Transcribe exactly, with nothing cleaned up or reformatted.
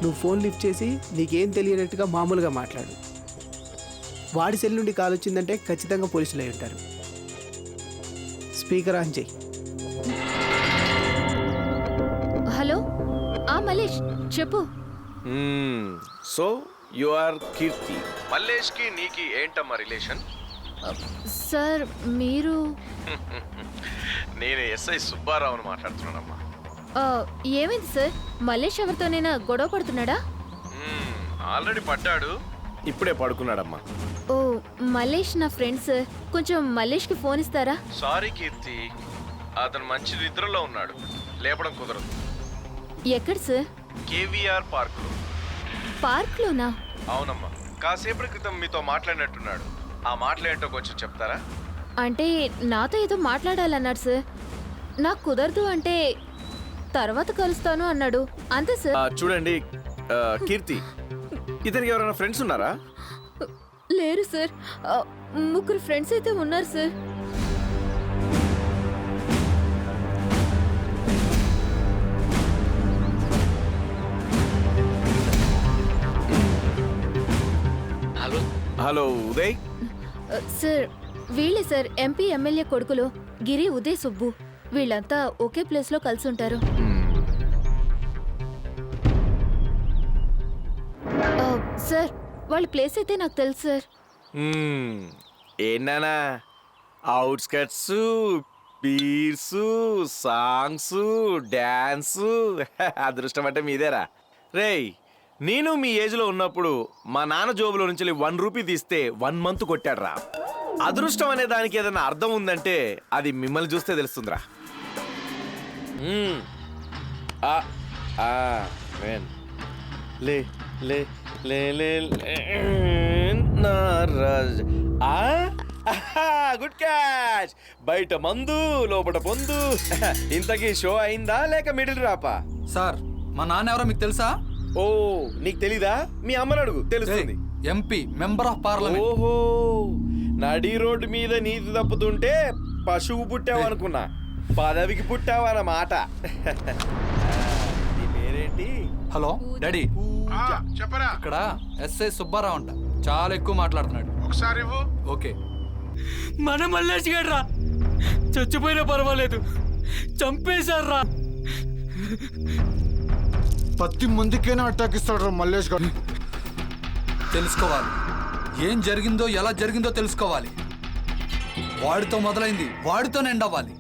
నువ్వు phone lift చేసి నీకేం తెలియనట్టుగా మామూలుగా మాట్లాడు. వాడి సెల్ నుండి కాల్ వచ్చిందంటే ఖచ్చితంగా పోలీసులు అయి ఉంటారు. స్పీకర్ ఆన్ చేయి. హలో, ఆ మలేష్ చెప్పు. So you are Keerthi. Mallesh కి నీకి ఏంటమ్మా రిలేషన్? సార్ మీరు నేను ఎస్ఐ సుబ్బారావుని మాట్లాడుతున్నానమ్మా. ఆ, ఏమైంది సార్? మలేష్ ఎవరితోనైనా గొడవ పడుతున్నాడా? ఆల్రెడీ పడ్డాడు, ఇప్పుడే పడుకున్నాడమ్మా. ఓ, మలేష్ నా ఫ్రెండ్ సార్. కొంచెం మలేష్కి ఫోన్ ఇస్తారా? సారీ కీర్తి, అతను మంచి నిద్రలో ఉన్నాడు, లేపడం కుదరదు. ఎక్కడ సార్? కేవీఆర్ పార్క్ లో. పార్క్లోనా? అవునమ్మా, కాసేపటి క్రితం మీతో మాట్లాడినట్టున్నాడు. ఆ మాటలేంటో కొంచెం చెప్తారా? అంటే నాతో ఏదో మాట్లాడాలన్నాడు సార్. నాకు కుదరదు అంటే తర్వాత కలుస్తాను అన్నాడు, అంతే సార్. ఆ, చూడండి ఆ, కీర్తి, ఇతనికి ఎవరైనా ఫ్రెండ్స్ ఉన్నారా? లేరు సార్. ఆ, ముగ్గురు ఫ్రెండ్స్ అయితే ఉన్నారు సార్. Hello hello Uday. ఆ, సార్ వీళ్ళే సార్, ఎంపీ ఎమ్మెల్యే కొడుకులు గిరి, ఉదయ్, సుబ్బు. వీళ్ళంతా ఒకే ప్లేస్లో కలిసి ఉంటారు. ఆ, సార్ వాళ్ళ ప్లేస్ అయితే నాకు తెలుసు సార్. ఏంటన్నా అవుట్స్కట్స్, బీర్స్, సాంగ్స్, డ్యాన్స్, అదృష్టం అంటే మీదేరా. రేయ్, నేను మీ ఏజ్లో ఉన్నప్పుడు మా నాన్న జోబులో నుంచి వన్ రూపీ తీస్తే వన్ మంత్ కొట్టాడురా. అదృష్టం అనే దానికి ఏదైనా అర్థం ఉందంటే అది మిమ్మల్ని చూస్తే తెలుస్తుందిరా. మ్మ్. ఆ, ఆ, మేన్. లే లే లే లే లే, నా రాజ్. ఆ, ఆహా, గుడ్ క్యాచ్. బయట మందు, లోపల పొందు. ఇంతకీ షో అయిందా లేక మిడిల్ రాపా? సార్, మా నాన్న ఎవరో మీకు తెలుసా? ఓ, నీకు తెలీదా? మీ అమ్మని అడుగు, తెలుస్తుంది. MP, member of parliament. ఓహో, నడి రోడ్డు మీద నీతి తప్పుతుంటే పశువు పుట్టావు అనుకున్నా, పదవికి పుట్టావు అన్నమాట. నీ పేరేంటి? హలో డాడీ, చెప్పరా. ఇక్కడ ఎస్ఐ సుబ్బారావు అంట, చాలా ఎక్కువ మాట్లాడుతున్నాడు. ఒకసారి ఇవ్వు. ఓకే. మన మల్లేష్ గారు రా, చచ్చిపోయినా పర్వాలేదు, చంపేశారా. పది మందికైనా అటాక్ ఇస్తాడు మల్లేష్ గారు. తెలుసుకోవాలి, ఏం జరిగిందో ఎలా జరిగిందో తెలుసుకోవాలి. వాడితో మొదలైంది వాడితోనే ఎండ్ అవ్వాలి.